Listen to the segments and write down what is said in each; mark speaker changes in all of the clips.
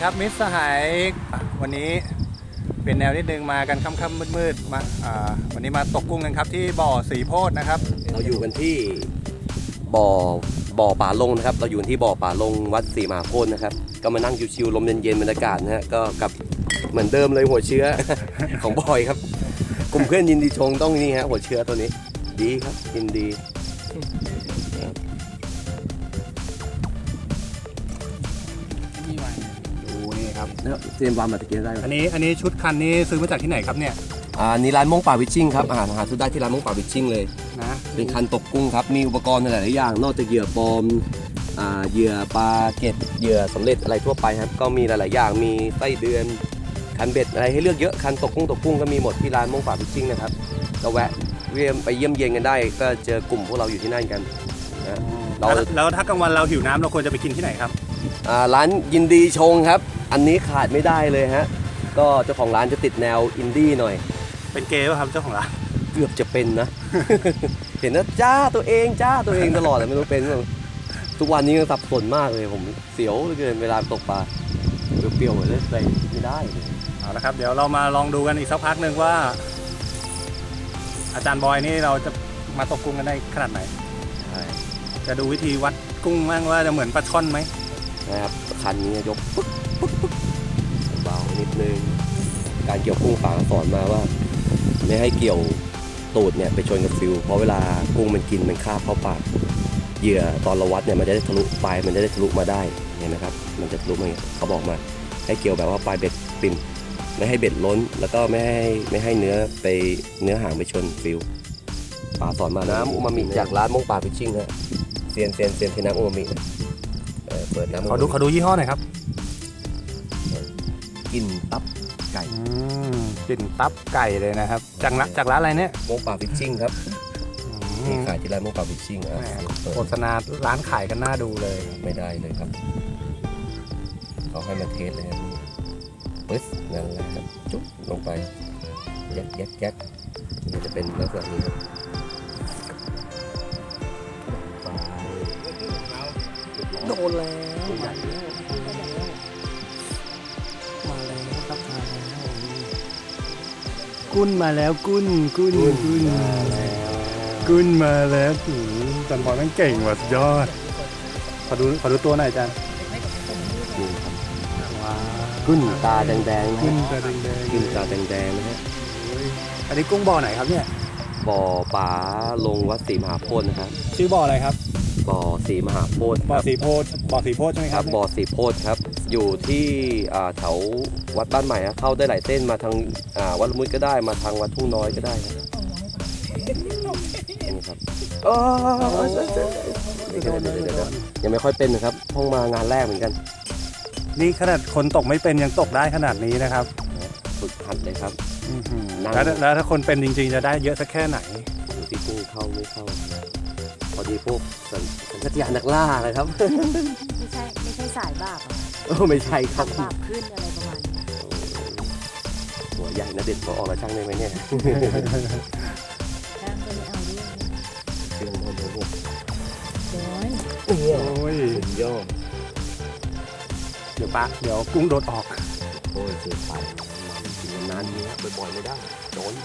Speaker 1: ครับมิตรสหายวันนี้เป็นแนวนิดนึงมากันค่ำๆมืดๆมาวันนี้มาตกกุ้งกันครับที่บ่อสีโพธิ์นะครับ
Speaker 2: เราอยู่กันที่บ่อป่าลงนะครับเราอยู่ที่บ่อป่าลงวัดศรีมหาโพธิ์นะครับก็มานั่งชิวๆลมเย็นๆบรรยากาศนะฮะก็กับเหมือนเดิมเลยหัวเชื้อ ของบอยครับกลุ่มเพื่อนยินดีชงต้องนี่ฮะหัวเชื้อตัวนี้ดีครับยินดี
Speaker 1: นี่ครับ
Speaker 2: เตรียมวางมาตะเกียบได้
Speaker 1: อันนี้ชุดคันนี้ซื้อมาจากที่ไหนครับเนี่ย
Speaker 2: นี่ร้านม่งป่าวิชชิ่งครับหาซื้อได้ที่ร้านม่งป่าวิชชิ่งเลย
Speaker 1: นะ
Speaker 2: เป็นคันตกกุ้งครับมีอุปกรณ์หลายๆอย่างนอกจากเหยื่อปลอมเหยื่อปลาเก็ดเหยื่อสำเร็จอะไรทั่วไปครับก็มีหลายๆอย่างมีไส้เดือนคันเบ็ดอะไรให้เลือกเยอะคันตกกุ้งก็มีหมดที่ร้านม่งป่าวิชชิ่งนะครับก็แวะไปเยี่ยมเยียนกันได้ก็เจอกลุ่มพวกเราอยู่ที่นั่นกันนะ
Speaker 1: แล้วถ้ากลางวันเราหิวน้ำเราควรจะไปกินที่ไหนครับ
Speaker 2: ร้านยินดีชงครับอันนี้ขาดไม่ได้เลยฮะก็เจ้าของร้านจะติดแนวอินดี้หน่อย
Speaker 1: เป็นเกย์ป่ะครับเจ้าของร้าน
Speaker 2: เกือบจะเป็นนะ เห็นนะจ้าตัวเองตลอดเลยไม่รู้เป็นทุกวันนี้ก็สับสนมากเลยผมเสียวเหลือเกินเวลาตกปลาเปรี้ยวๆเลยใส่ไม่ได้เลย
Speaker 1: เอาละครับเดี๋ยวเรามาลองดูกันอีกสักพักหนึ่งว่าอาจารย์บอยนี่เราจะมาตกกุ้งกันได้ขนาดไหนจะดูวิธีวัดกุ้งบ้างว่าจะเหมือนปลาช่อนไหม
Speaker 2: นะครับคันนี้ยกปึ๊กเบานิดนึงการเกี่ยวกุ้งฝาสอนมาว่าไม่ให้เกี่ยวตูดเนี่ยไปชนกับฟิวเพราะเวลากุ้งมันกินมันคาบเข้าปากเหยื่อตอนเราวัดเนี่ยมันจะได้ทะลุปลายมันจะได้ทะลุมาได้เห็นไหมครับมันจะทะลุมาเขาบอกมาให้เกี่ยวแบบว่าปลายเบ็ดปิ่มไม่ให้เบ็ดล้นแล้วก็ไม่ให้เนื้อหางไปชนฟิวป่าสอนมาน้ำอูมามิจากร้านม่งป่าฟิชชิ่งฮะเซียนเทน้ำอูมามิเปิดน้ำ
Speaker 1: เขาดูยี่ห้อหน่อยครับ
Speaker 2: กินตับไก่
Speaker 1: กลิ่นตับไก่เลยนะครับจากร้านอะไรเนี่ย
Speaker 2: ม่งป่าฟิชชิ่งครับมีขายที่ร้านม่งป่าฟิชชิ่ง
Speaker 1: โฆษณาร้านขายกันน่าดูเลย
Speaker 2: ไม่ได้เลยครับเขาให้มาเทสเลยปึ๊บนั่นแหละครับจุ๊บลงไปยัดมันจะเป็นลักษณะนี้ครับ
Speaker 1: โดนแล้วมาแล้วครับกุ้นมาแล้วกุ้นมาแล้วจันบอลนั่งเก่งว่ะสุดยอดขอดูตัวหน่อยจัน
Speaker 2: กุ้นตาแดงๆ
Speaker 1: กุ้น
Speaker 2: ตาแดงๆนะฮะ
Speaker 1: อันนี้กุ้งบ่อไหนครับเนี่ย
Speaker 2: บ่อป่าลงวัดศรีมหาโพธิ์นะครับ
Speaker 1: ชื่อบ่ออะไรครับ
Speaker 2: บ่อศรีมหาโพธิ์
Speaker 1: บ่อสีโพธิ์ใช่ไหมครับ
Speaker 2: บ่อศรีโพธิ์ครับอยู่ที่แถววัดบ้านใหม่เข้าได้หลายเส้นมาทางวัดละมุดก็ได้มาทางวัดทุ่งน้อยก็ได้ครับนี่ครับยังไม่ค่อยเป็นนะครับเพิ่งมางานแรกเหมือนกัน
Speaker 1: นี่ขนาดคนตกไม่เป็นยังตกได้ขนาดนี้นะครับ
Speaker 2: ฝึกหัดเลยครับ
Speaker 1: แล้วถ้าคนเป็นจริงๆจะได้เยอะสักแค่ไหน
Speaker 2: ดูที่กุ้งเข้าไม่เข้าพอดีพวกสัญชาตญาณนักล่าเลยครับ
Speaker 3: ไม่ใช่สายบาป
Speaker 2: ไม่ใช่ครับ
Speaker 3: บาปขึ้นอะไรประมาณนี้
Speaker 2: หัวใหญ่นะเด็ดพอออกมาช่างได้ไหมเนี่ย
Speaker 3: ช่างก็ไม่เอาเรื่อง
Speaker 2: เรื่องมันโ
Speaker 1: อ้ย
Speaker 2: ยอด
Speaker 1: เดี๋ยวกุ้งโดดออก
Speaker 2: โอ้ยเสียไปมันกินนานนี้ครับบ่อยๆไม่ได้โดน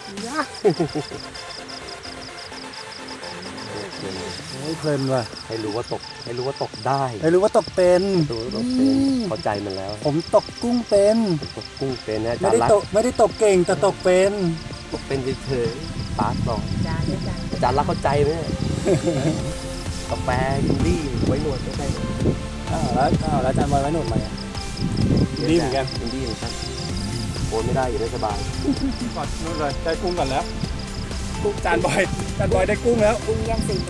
Speaker 1: เพลินว่ะ
Speaker 2: ให้รู้ว่าตกได้
Speaker 1: ให้รู้ว่าตกเป็น
Speaker 2: เข้าใจมันแล้ว
Speaker 1: ผมตกกุ้งเป็น
Speaker 2: นะ
Speaker 1: ไม่ได้ตกเก่งแต่ตกเป็น
Speaker 2: เฉยๆปาร์ตบอกอาจารย์รักเข้าใจไหมกาแฟยินดี้ไว้หนวดไม่ใช่
Speaker 1: แล้วอาจารย์บอยไว้หนวดไหมดีเหมือนกัน
Speaker 2: โอนไม่ได้อยู่ได้สบาย
Speaker 1: ก่อนนู่นเลยได้กุ้งก่อนแล้วจานบอยได้กุ้งแล้ว
Speaker 3: กุ้งย่างซีน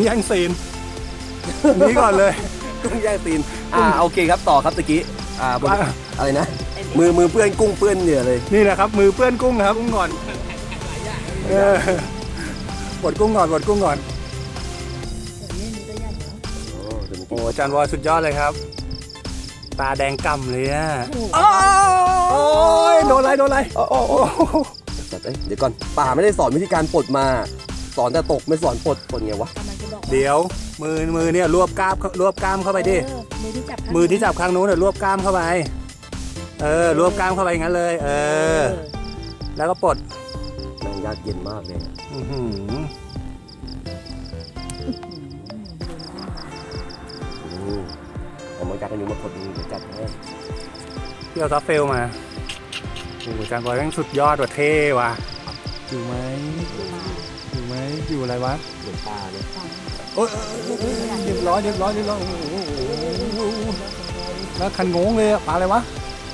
Speaker 1: นี้ก่อนเลย
Speaker 2: กุ้งย่างซีนโอเคครับต่อครับตะกี้อะไรนะมือเปื้อนกุ้งเปื้อนเนี่ยเลย
Speaker 1: นี่นะครับมือเปื้อนกุ้งครับกุ้งก่อนบดกุ้งก่อนโอ้จานบอยสุดยอดเลยครับตาแดงก่ำเลยอ่ะโอ้ยโดนอะไร
Speaker 2: เดี๋ยวก่อนป่าไม่ได้สอนวิธีการปลดมาสอนแต่ตกไม่สอนปลดไงวะ
Speaker 3: กำลังจะบอก
Speaker 1: เดี๋ยวมือเนี่ยรวบกล้ามเข้าไปดิ
Speaker 3: มือที่จับ
Speaker 1: มือที่จับข้างนู้นเนี่ยรวบกล้ามเข้าไปรวบกล้ามเข้าไปอย่างนั้นเลยแล้วก็ปลด
Speaker 2: แม่งยากเย็นมากเลย
Speaker 1: อื้อหือ
Speaker 2: ผมมาจากกันอยู่มาคนนึงเดี๋ยวจัดให้
Speaker 1: พี่เอาซัฟเฟลมาโอ้โหจานบอยแม่งสุดยอดว่ะเท่ว่ะอยู่ไหมอยู่อะไรวะ
Speaker 2: เหมือนปลาเนี่ย
Speaker 1: โอ้ยเรียบร้อยโอ้โหแล้วคันงงเลยอะปลาอะไรวะ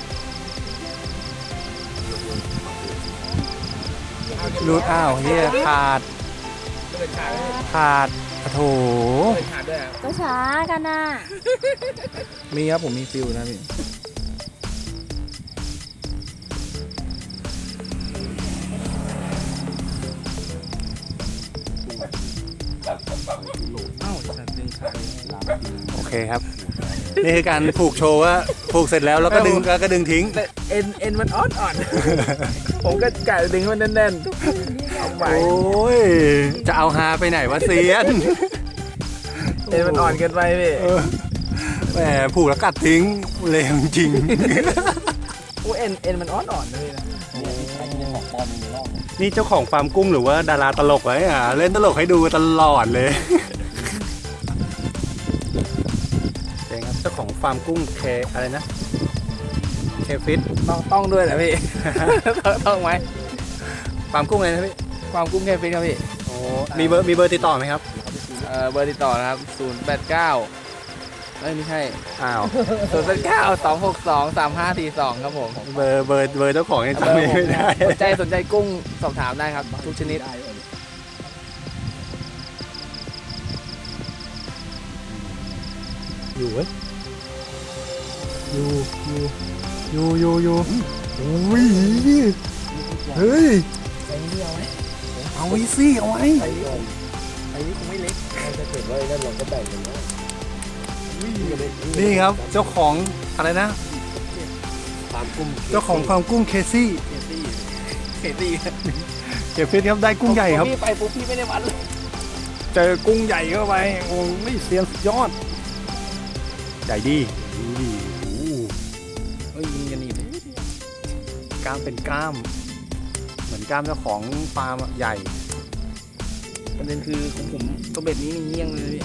Speaker 1: รูดอ้าวเฮียขาดโอ้โถ
Speaker 3: ก็ช้ากันน่ะ
Speaker 4: มีครับผมมีฟิลนะพี่ เอ้าสัตว์ดึงขาด
Speaker 1: โอเคครับ นี่คือการผูกโชว์ว่าผูกเสร็จแล้วแล้วก็ดึงทิ้ง
Speaker 4: แต่เอ็นมันอ่อน ผมก็กะดึงให้มันแน่นๆเอาไหว
Speaker 1: โอ้ยจะเอาฮาไปไหนวะเซียน
Speaker 4: เอ็นมันอ่อนเกินไปพี่
Speaker 1: แหมผูกแล้วกัดทิ้งเลวจริง
Speaker 4: โอ้เอ็นมันอ่อนนะพี่นะ
Speaker 1: นี่เจ้าของฟาร์มกุ้งหรือว่าดาราตลกไว้เล่นตลกให้ดูตลอดเลยเองครับเจ้าของฟาร์มกุ้งอะไรนะเคฟิต
Speaker 4: ต้องด้วยแหละพี่ ต้องไหม
Speaker 1: ฟาร์มกุ้งอะไรนะพี่
Speaker 4: ความกุ้งแค่ฟิตครับพี่
Speaker 1: โอ้มีเบอร์ติดต่อไหมครับ
Speaker 4: เบอร์ติดต่อนะครับ089ไม่ใช่
Speaker 1: อ้าว
Speaker 4: 089-262-3542ครับผม
Speaker 1: เบอร์เจ้าของยังจำไม่ได้
Speaker 4: สนใจกุ้งสอบถามได้ครับทุกชนิด
Speaker 1: อยู่เว้ยอยู่อุ้ยเฮ้ยเอาไว้สิเอาไว้
Speaker 4: ไอ้นี่คงไม่เล็ก
Speaker 2: ถ้าเกิดว่านั่นเราก็แบ่งกันนะ
Speaker 1: นี่ครับเจ้าของอะไรนะ
Speaker 2: ตามกุ้ง
Speaker 1: เจ้าของฟาร์มกุ้งเคซี่
Speaker 4: เขตี้
Speaker 1: เก็บฟิตครับได้กุ้งใหญ่ครับ
Speaker 4: พี่ไปปุ๊บพี่ไม่ได้วัดเลย
Speaker 1: เจอกุ้งใหญ่เข้าไปโอ้ไม่เสียงสุดยอดใหญ่ดีโอ้โห
Speaker 4: เฮ้ยยิงกันนี่เลย
Speaker 1: กล้ามเป็นกล้าม เหมือนกล้ามเจ้าของฟาร์มอะใหญ่
Speaker 4: ประเด็นคือของผมตัวเบ็ดนี้นี่เงี้ยงเลย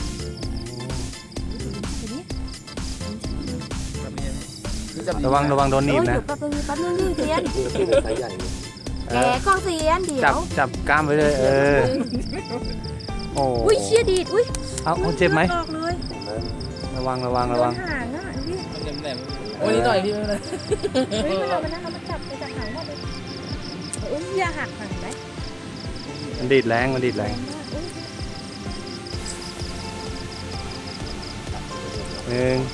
Speaker 4: พี่จับดี
Speaker 1: ระวังโดนหนีบนะ
Speaker 3: แป๊บนึงดิเสียน
Speaker 2: กุ้งไซส์ใหญ่เนี่ย
Speaker 3: แกกล้องเสียนเดี๋ยว
Speaker 1: จับกล้ามไว้เลยโอ้
Speaker 3: อุ้ยเชี่ยดีดอุ้ย
Speaker 1: เอาเจ็บไหม
Speaker 3: ออกเลย
Speaker 1: ระวัง
Speaker 3: โดนหางอ่ะพี่
Speaker 4: มันแหลมๆโอ้ยนิดหน่อยพี่ไม่เป็นไร
Speaker 3: เฮ้ยเรามานั่งเรามาจับไปจากหางหมดเลยอุ้ยอย่าหักหางไหม
Speaker 1: มันดีดแรง
Speaker 3: แรงมากอุ้ย
Speaker 1: หนึ่ง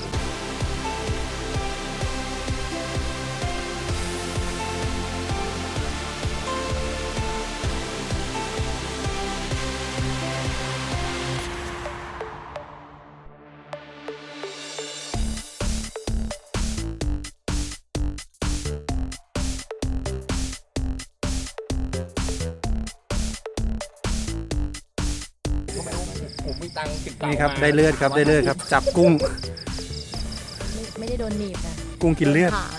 Speaker 4: ผมมีตังค์10
Speaker 1: นี่ครับได้เลือดครับจับกุ้ง
Speaker 3: ไม่ได้โดนหนีบนะ
Speaker 1: กุ้งกินเลือด
Speaker 3: หาง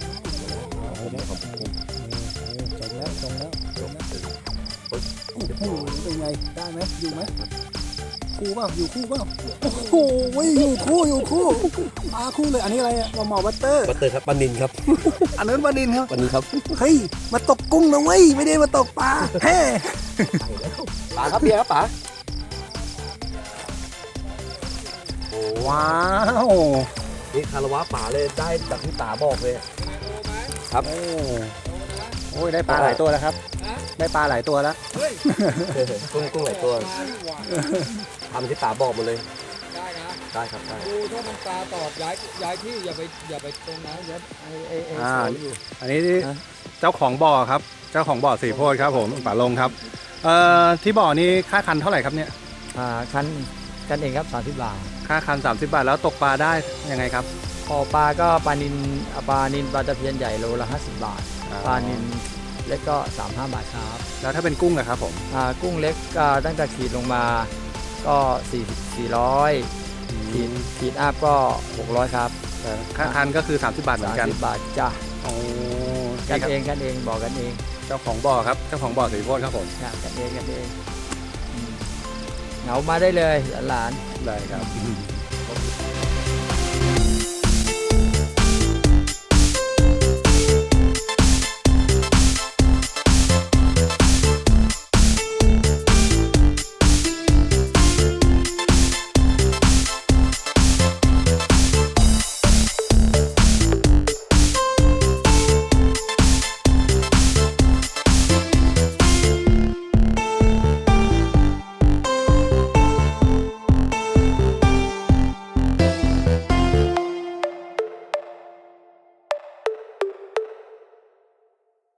Speaker 1: จมแล้วโอ้โหเป็นไงได้ไหมอยู่ไหมคู่เปล่าอยู่คู่เปล่าโอ้โหอยู่คู่ปลาคู่เลยอันนี้อะไรอะหมอบัตเตอร์
Speaker 2: บัตเตอร์ครับปลานินครับ
Speaker 1: อันนั้นปลานินครับ
Speaker 2: วันนี้ครับ
Speaker 1: เฮ้ยมาตกกุ้งนะเว้ยไม่ได้มาตกปลาเฮ้
Speaker 2: ปลาครับเบียร์ครับป๋า
Speaker 1: ว้าว
Speaker 2: นี่คารวะป๋าเลยได้จากที่ป๋าบอกเลยครับ
Speaker 1: โอ้ยได้ปลาหลายตัวแล้วครับได้ปลาหลายตัวแล้ว
Speaker 2: กุ้งหลายตัวทำที่ป๋าบอกหมาเลย
Speaker 5: ได้นะ
Speaker 2: ได้ครับได้
Speaker 5: ดูถ้ามันปลาตอดย้ายที่อย่าไปตรงนั้นอย่าไอ้
Speaker 1: อ่า
Speaker 5: สวนอยู่
Speaker 1: อันนี้เจ้าของบ่อครับเจ้าของบ่อสีโพธิ์ครับผมป๋าลงครับที่บ่อนี้ค่าคันเท่าไหร่ครับเนี่ย
Speaker 5: คันกันเองครับ30 บาท
Speaker 1: ค่าคัน30 บาทแล้วตกปลาได้ยังไงครับ
Speaker 5: พอปลาก็ปลานินปลาตะเพียนใหญ่โลละ50 บาท ปลานินเล็กก็35 บาทครับ
Speaker 1: แล้วถ้าเป็นกุ้งอะครับผม
Speaker 5: กุ้งเล็กตั้งแต่ขีดลงมาก็400ขีดอัพก็600ครับ
Speaker 1: ค่าคันก็คือ30 บาทเหมือนกัน
Speaker 5: 30 บาทจ้ะ
Speaker 1: โอ้
Speaker 5: กันเองบอกกันเอง
Speaker 1: เจ้าของบ่อครับเจ้าของบ่อสิริโภชครับผม
Speaker 5: กันเองเหงามาได้เลยหลาน
Speaker 1: ได้ครับ